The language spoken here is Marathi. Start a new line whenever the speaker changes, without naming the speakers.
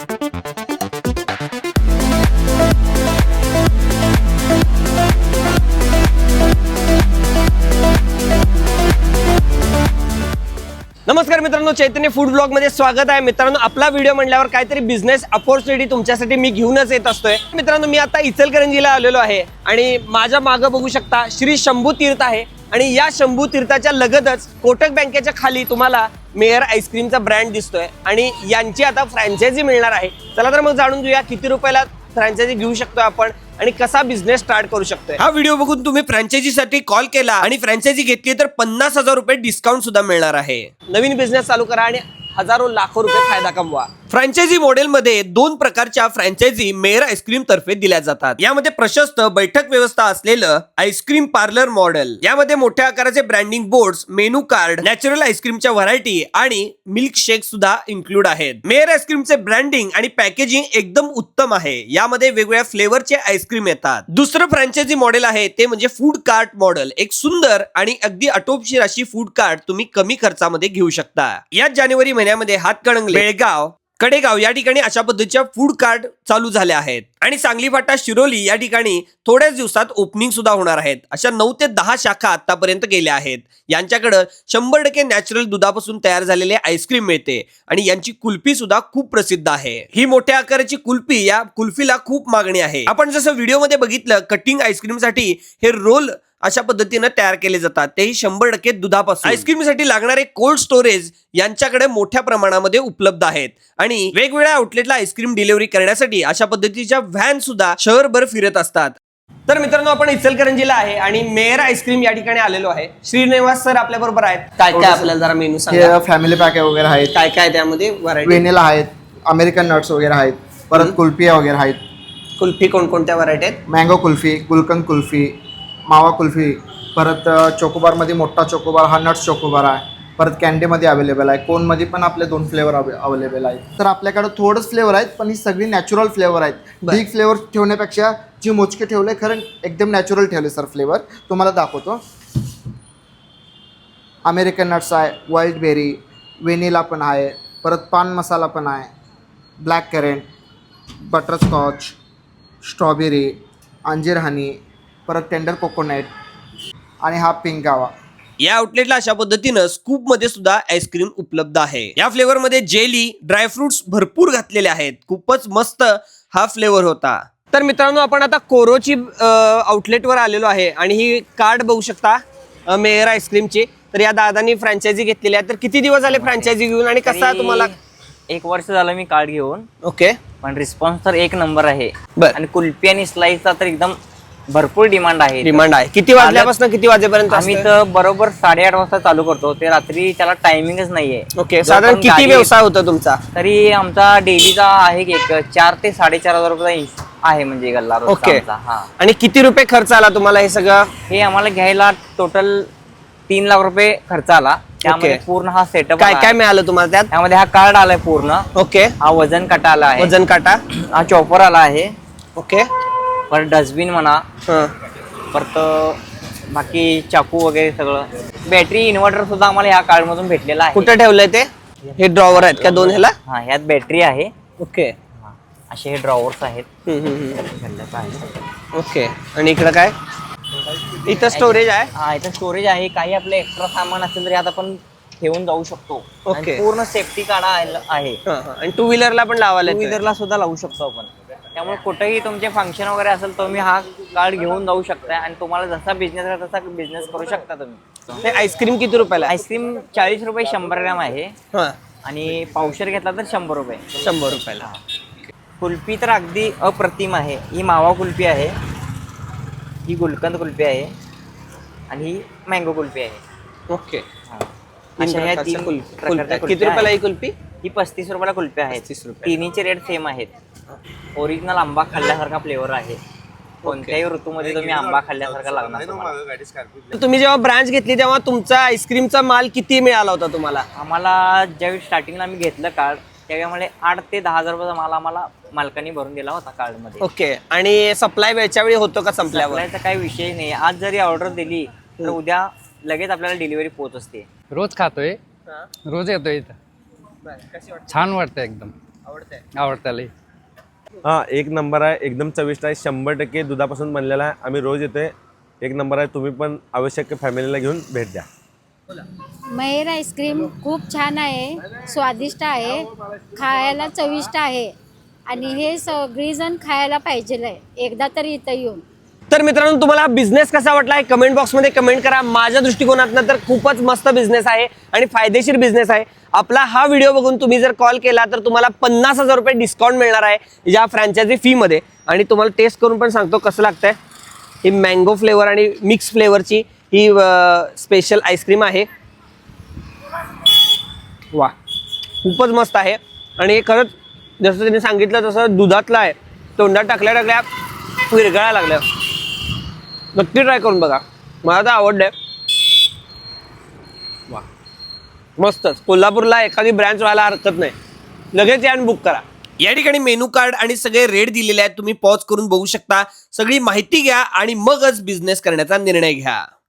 नमस्कार मित्रांनो, चैतन्य फूड ब्लॉग मध्ये स्वागत आहे. मित्रांनो, आपला व्हिडिओ म्हणल्यावर काहीतरी बिझनेस अपॉर्च्युनिटी तुमच्यासाठी मी घेऊनच येत असतोय. मित्रांनो, मी आता इचलकरंजीला आलेलो आहे आणि माझ्या मागं बघू शकता श्री शंभू तीर्थ आहे आणि या शंभू तीर्थाच्या लगतच कोटक बँकेच्या खाली तुम्हाला मेयर आईस्क्रीमचा ब्रँड दिसतोय आणि यांची आता फ्रँचायझी मिळणार आहे. चला तर मग जाणून घेऊया किती रुपयाला फ्रँचायझी घेऊ शकतो आपण आणि कसा बिझनेस स्टार्ट करू शकतोय. हा व्हिडिओ बघून तुम्ही फ्रँचायझीसाठी कॉल केला आणि फ्रँचायझी घेतली तर 50,000 रुपये डिस्काउंट सुद्धा मिळणार आहे. नवीन बिझनेस चालू करा आणि हजारो लाखो रुपये फायदा कमवा. फ्रँचायझी मॉडेल मध्ये 2 प्रकारच्या फ्रँचायझी मेयर आईस्क्रीम तर्फे दिल्या जातात. यामध्ये प्रशस्त बैठक व्यवस्था असलेलं आईस्क्रीम पार्लर मॉडेल, यामध्ये मोठ्या आकाराचे branding boards, menu card, natural आईस्क्रीमच्या व्हरायटी आणि मिल्क शेक सुद्धा इन्क्लूड आहेत. मेयर आईस्क्रीमचे ब्रँडिंग आणि पॅकेजिंग एकदम उत्तम आहे. यामध्ये वेगवेगळ्या फ्लेवरचे आईस्क्रीम येतात. दुसरं फ्रँचायझी मॉडेल आहे ते म्हणजे फूड कार्ट मॉडेल. एक सुंदर आणि अगदी आटोपशीर अशी फूड कार्ट तुम्ही कमी खर्चामध्ये घेऊ शकता. याच जानेवारी महिन्यामध्ये हातकणंगले, बेळगाव, कडेगाव या ठिकाणी अशा पद्धतीच्या फूड कार्ट चालू झाल्या आहेत आणि सांगली फाटा, शिरोली या ठिकाणी थोड्याच दिवसात ओपनिंग सुद्धा होणार आहेत. अशा 9 ते 10 शाखा आतापर्यंत गेल्या आहेत. यांच्याकडे 100% नॅचरल दुधापासून तयार झालेले आईस्क्रीम मिळते आणि यांची कुल्फी सुद्धा खूप प्रसिद्ध आहे. ही मोठ्या आकाराची कुल्फी, या कुल्फीला खूप मागणी आहे. आपण जसं व्हिडिओमध्ये बघितलं, कटिंग आईस्क्रीम साठी हे रोल अशा पद्धतीने तयार केले जातात, तेही 100% दुधापासून. आईस्क्रीमसाठी लागणारे कोल्ड स्टोरेज यांच्याकडे मोठ्या प्रमाणामध्ये उपलब्ध आहेत आणि वेगवेगळ्या आउटलेटला आईस्क्रीम डिलिव्हरी करण्यासाठी अशा पद्धतीच्या व्हॅन सुद्धा शहरभर फिरत असतात. तर मित्रांनो, आपण इचलकरंजीला आहे आणि मेयर आईस्क्रीम या ठिकाणी आलेलो आहे. श्रीनिवास सर आपल्या बरोबर आहेत. काय काय आपल्याला जरा मेनू सांगा.
फॅमिली पॅक वगैरे आहेत,
काय काय त्यामध्ये व्हरायटी?
व्हॅनिला आहेत, अमेरिकन नट्स वगैरे आहेत, परत कुल्फी वगैरे आहेत.
कुल्फी कोणकोणत्या व्हरायटी आहेत?
मँगो कुल्फी, गुलकंद कुल्फी, मावा कुल्फी, परत चोकोबार मध्ये मोठा चोकोबार हा नट्स चोकोबार आहे. परत कॅन्डीमध्ये अवेलेबल आहे. कोनमध्ये पण आपले 2 फ्लेवर अवेलेबल आहेत. तर आपल्याकडे थोडंच फ्लेवर आहेत, पण ही सगळी नॅचरल फ्लेवर आहेत. बिग फ्लेवर ठेवण्यापेक्षा जी मोजके ठेवले, खरं एकदम नॅचरल ठेवले सर फ्लेवर. तुम्हाला दाखवतो. अमेरिकन नट्स आहे, वाईल्ड बेरी, व्हॅनिला पण आहे, परत पान मसाला पण आहे, ब्लॅक करेंट, बटरस्कॉच, स्ट्रॉबेरी, अंजीर हनी, परत टेंडर कोकोनट आणि हा पिंक गावा.
या आउटलेटला अशा पद्धतीनं स्कूप मध्ये सुद्धा आईस्क्रीम उपलब्ध आहे. या फ्लेवर मध्ये जेली, ड्रायफ्रुट्स भरपूर घातलेले आहेत. खूपच मस्त हा फ्लेवर होता. तर मित्रांनो, आपण आता कोरोची आउटलेटवर आलेलो आहे आणि ही कार्ड बघू शकता मेयर आईस्क्रीमची. तर या दादांनी फ्रँचायझी घेतलेली आहे. तर किती दिवस झाले फ्रँचायझी घेऊन आणि कसा तुम्हाला?
1 वर्ष झालं मी कार्ड घेऊन.
ओके.
पण रिस्पॉन्स तर 1 नंबर आहे.
बर.
आणि कुल्फी आणि स्लाइसचा तर एकदम भरपूर डिमांड आहे.
किती वाजल्यापासून किती वाजेपर्यंत?
आम्ही तर बरोबर 8:30 वाजता चालू करतो. ते रात्री त्याला टायमिंगच नाहीये.
ओके. साधारण किती व्यवसाय होता तुमचा?
तरी आमचा डेलीचा आहे एक 4 ते 4.5 हजार रुपये आहे, म्हणजे गल्ला रोजचा
ओके.
आमचा. हा.
आणि किती रुपये खर्च आला तुम्हाला हे सगळं?
हे आम्हाला घ्यायला टोटल 3 लाख रुपये खर्च आला. त्यामध्ये पूर्ण हा सेटअप
काय काय मिळालं तुम्हाला त्यात?
त्यामध्ये हा कार्ड आलाय पूर्ण.
ओके.
हा वजन काटा आला आहे.
वजन काटा.
हा चॉपर आला आहे.
ओके.
परत डस्टबिन म्हणा,
हं.
परत बाकी चाकू वगैरे सगळं. बॅटरी इन्व्हर्टर सुद्धा आम्हाला ह्या कार्ड मधून भेटलेला आहे.
कुठे ठेवलंय ते? हे ड्रॉवर आहेत का 2 ह्याला?
हा, ह्यात बॅटरी आहे.
ओके.
हा, असे हे ड्रॉवर्स आहेत.
हम्म. ओके. आणि इकडं काय? इथं स्टोरेज आहे.
हा, इथं स्टोरेज आहे. काही आपलं एक्स्ट्रा सामान असेल तरी आता आपण ठेवून जाऊ शकतो.
ओके.
आणि पूर्ण सेफ्टी काढा आहे.
आणि 2 व्हीलरला पण लावायला
2 व्हीलरला सुद्धा लावू शकतो आपण. त्यामुळे कुठेही तुमचे फंक्शन वगैरे असेल तुम्ही हा कार्ड घेऊन जाऊ शकता आणि तुम्हाला जसा बिझनेस आहे तसा बिझनेस करू शकता तुम्ही.
आईस्क्रीम किती रुपयाला?
आईस्क्रीम 40 रुपये 100 ग्रॅम आहे
हां.
आणि पावशेर घेतला तर 100 रुपये.
100 रुपयाला.
कुल्फी तर अगदी अप्रतिम आहे. ही मावा कुल्फी आहे, ही गुलकंद कुल्फी आहे आणि ही मँगो कुल्फी आहे.
ओके.
अशा ह्या 3 प्रकारच्या
किती रुपयाला ही कुल्फी?
ही 35 रुपयाला कुल्फी आहे.
35 रुपये.
तिन्हीचे रेट सेम आहेत. ओरिजिनल आंबा खाल्ल्यासारखा फ्लेवर आहे. कोणत्याही ऋतूमध्ये तुम्ही आंबा खाल्ल्यासारखा लागणार तुम्हाला.
तुम्ही जेव्हा ब्रांच घेतली तेव्हा तुमचा आईस्क्रीमचा माल किती मिळाला होता तुम्हाला?
आम्हाला ज्यावेळी स्टार्टिंगला आम्ही घेतलं कार्ड त्यावेळी आम्हाला 8 ते 10 हजार रुपयाचा माल आम्हाला मालकांनी भरून दिला होता कार्ड मध्ये.
ओके. आणि सप्लाय वेळच्या वेळी होतो का संपल्यावर?
सप्लायचा काही विषय नाही. आज जरी ऑर्डर दिली तर उद्या लगेच आपल्याला डिलिव्हरी पोहोच असते.
रोज खातोय, रोज येतोय इथं. छान वाटतं एकदम. आवडतं.
हा एक नंबर आहे, एकदम चविष्ट आहे, 100% दुधापासून बनलेला आहे. आम्ही रोज येतोय. एक नंबर आहे, तुम्ही पण आवश्यक फॅमिलीला घेऊन भेट द्या.
महेर आईस्क्रीम खूप छान आहे, स्वादिष्ट आहे, खायला चविष्ट आहे आणि हे सगळीजण खायला पाहिजे आहे एकदा तरी इथं येऊन.
तर मित्रांनो, तुम्हाला बिझनेस कसा वाटलाय कमेंट बॉक्समध्ये कमेंट करा. माझ्या दृष्टिकोनातनं तर खूपच मस्त बिझनेस आहे आणि फायदेशीर बिझनेस आहे. आपला हा व्हिडिओ बघून तुम्ही जर कॉल केला तर तुम्हाला 50,000 रुपये डिस्काउंट मिळणार आहे या फ्रँचायझी फीमध्ये. आणि तुम्हाला टेस्ट करून पण सांगतो कसं लागतंय. ही मँगो फ्लेवर आणि मिक्स फ्लेवरची ही स्पेशल आईस्क्रीम आहे. वा, खूपच मस्त आहे. आणि हे खरंच जसं त्यांनी सांगितलं तसं दुधातलं आहे. तोंडात टाकल्या टाकल्या विरघळायला लागल्या. नक्की ट्राय करून बघा, मला तर आवडलंय. वा, मस्तच. कोल्हापूरला एखादी ब्रँच व्हायला हरकत नाही. लगेच या आणि बुक करा. या ठिकाणी मेनू कार्ड आणि सगळे रेट दिलेले आहेत, तुम्ही पॉज करून बघू शकता. सगळी माहिती घ्या आणि मगच बिझनेस करण्याचा निर्णय घ्या.